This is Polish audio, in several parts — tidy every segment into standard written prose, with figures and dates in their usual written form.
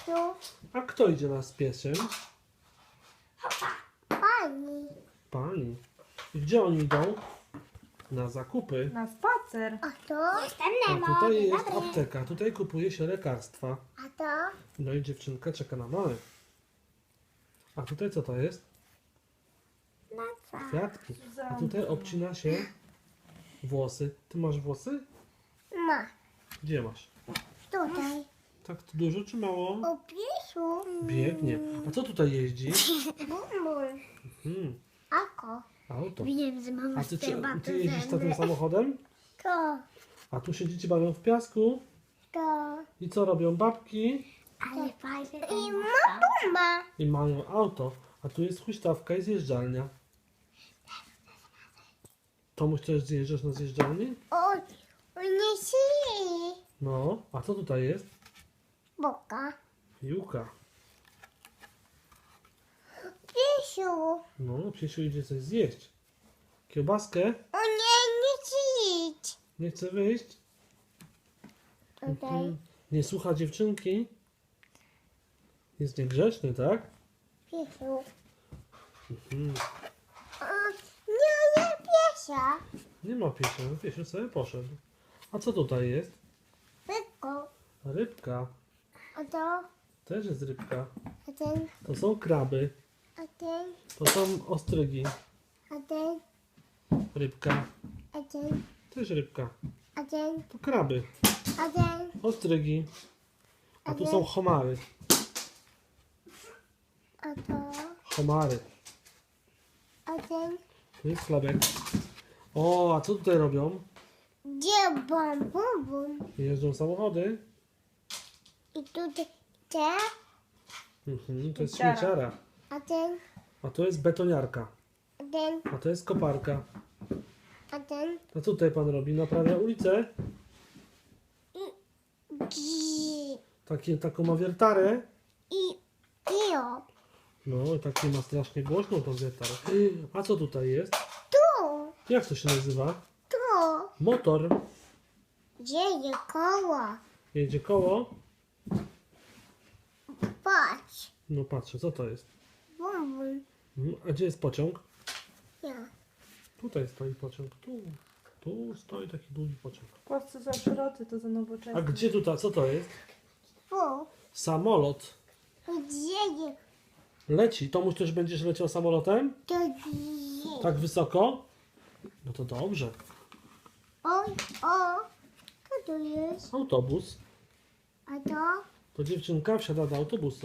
piesiu. A kto idzie nas z piesiem? Pani. Pani. I gdzie oni idą? Na zakupy. Na spacer. A to? Jestem A tutaj jest apteka. Tutaj kupuje się lekarstwa. A to? No i dziewczynka czeka na mamę. A tutaj co to jest? Na co? Kwiatki. A tutaj obcina się włosy. Ty masz włosy? Ma. Gdzie masz? Tutaj. Tak to dużo czy mało? O piesiu. Biegnie. A co tutaj jeździ? Bumul. Ako. Auto. Wiem, że mama A ty jeździsz za tym samochodem? To. A tu się dzieci bawią w piasku? To. I co robią babki? Ale fajnie. I ma. I mają auto. A tu jest huśtawka i zjeżdżalnia. Tomuś też zjeżdżasz na zjeżdżalni? O, nie śni. No. A co tutaj jest? Boka. Piłka. Piesiu. No, Piesiu idzie coś zjeść. Kiełbaskę? O nie, nie idź. Nie chce wyjść? Tutaj. Nie słucha dziewczynki? Jest niegrzeczny, tak? Piesiu. Mhm. O, nie, nie piesia. Nie ma Piesia. No, Piesiu sobie poszedł. A co tutaj jest? Pyko. Rybka. A to? Też jest rybka. A ten? To są kraby. A ten? To są ostrygi. A ten? Rybka. A ten? Też rybka. A ten? To kraby. A ten? Ostrygi. A tu są homary. A to? Homary. A ten? Tu jest chlebek. O, a co tutaj robią? Gdzie bum, bum, bum? Jeżdżą samochody. I tutaj te? To jest Śmieciara. śmieciara. A ten? A to jest betoniarka. A ten? A to jest koparka. A ten? A co tutaj pan robi? Naprawia ulicę? Taką ma wiertarę. O. No, takie ma strasznie głośną tą wiertarę. A co tutaj jest? Tu. Jak to się nazywa? Tu. Motor. Gdzie jest koło? Jedzie koło. Patrz. No patrzę, co to jest? Bum, bum. A gdzie jest pociąg? Ja. Tutaj stoi pociąg. Tu stoi taki długi pociąg. W Polsce są szroty, to za nowoczesne. A gdzie tutaj? Co to jest? Tu. Samolot. Gdzie jest? Leci. Tomuś też będziesz leciał samolotem? To gdzie? Tak wysoko? No to dobrze. Oj, o. Co to jest? Autobus. A to? To dziewczynka wsiada do autobusu.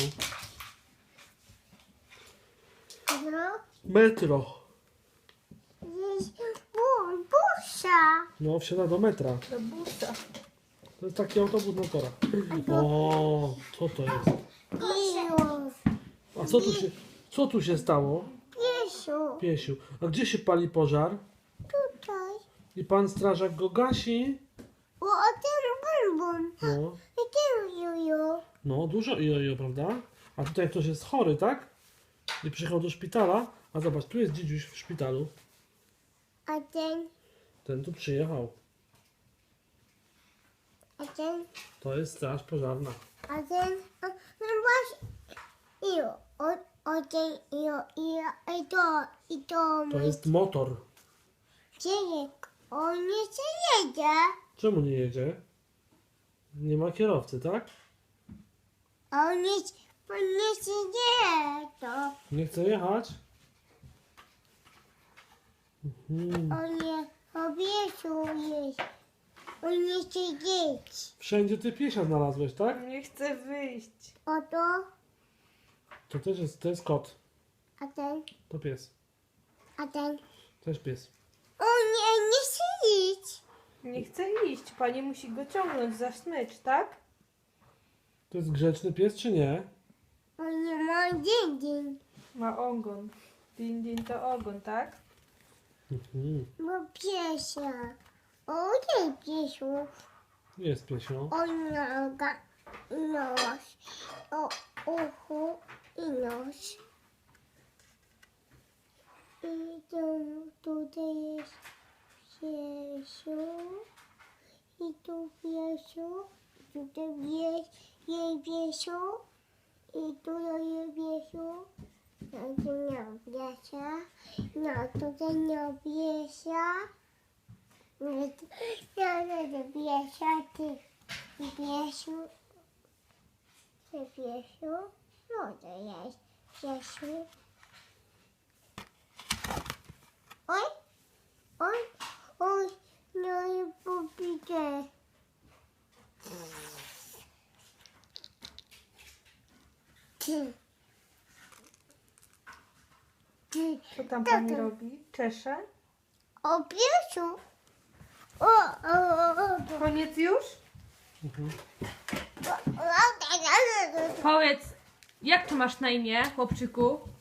A to? Metro. Jest bum, busa. No, wsiada do metra. Do busa. To jest taki autobus na torach. O, co to jest? Piesiu. A co tu się stało? Piesiu. Piesiu. A gdzie się pali pożar? Tutaj. I pan strażak go gasi? O, a ten bum, bum. No, I ten juju. no dużo jojo, prawda? A tutaj ktoś jest chory, tak? I przyjechał do szpitala. A zobacz, tu jest dzidziuś w szpitalu. A ten? Ten tu przyjechał. A ten? To jest straż pożarna. A ten? A, no właśnie. O ten, i to. To jest motor. Gdzie jest? On nie się jedzie. Czemu nie jedzie? Nie ma kierowcy, tak? On nie się jedzie. To. Nie chce jechać? On nie obiecuje. On nie chce jeść. Wszędzie ty piesia znalazłeś, tak? Nie chcę wyjść. Oto. To też jest, to jest kot. A ten? To pies. A ten? Też pies. O nie chce iść. Nie chcę iść. Pani musi go ciągnąć za smycz, tak? To jest grzeczny pies, czy nie? On nie ma dzień. Ma ogon. Din, din to ogon, tak? Bo piesia. O nie piesiu. Jest piesio. O noga. Nos. O uchu i nos. I tutaj jest piesiu. I tu piesiu. I tutaj jest jej piesiu. I tu jest Biesiu. No tu nie Biesia. No tutaj nie Biesia. No tu nie Biesia. Ty Biesiu. Ty Biesiu. No to jest Biesiu. Oj. Oj. Oj. No i popite. Ty. Ty. Co tam pani robi? Czesze? O Biesiu. O. Koniec już? Mhm. Powiedz, jak tu masz na imię, chłopczyku?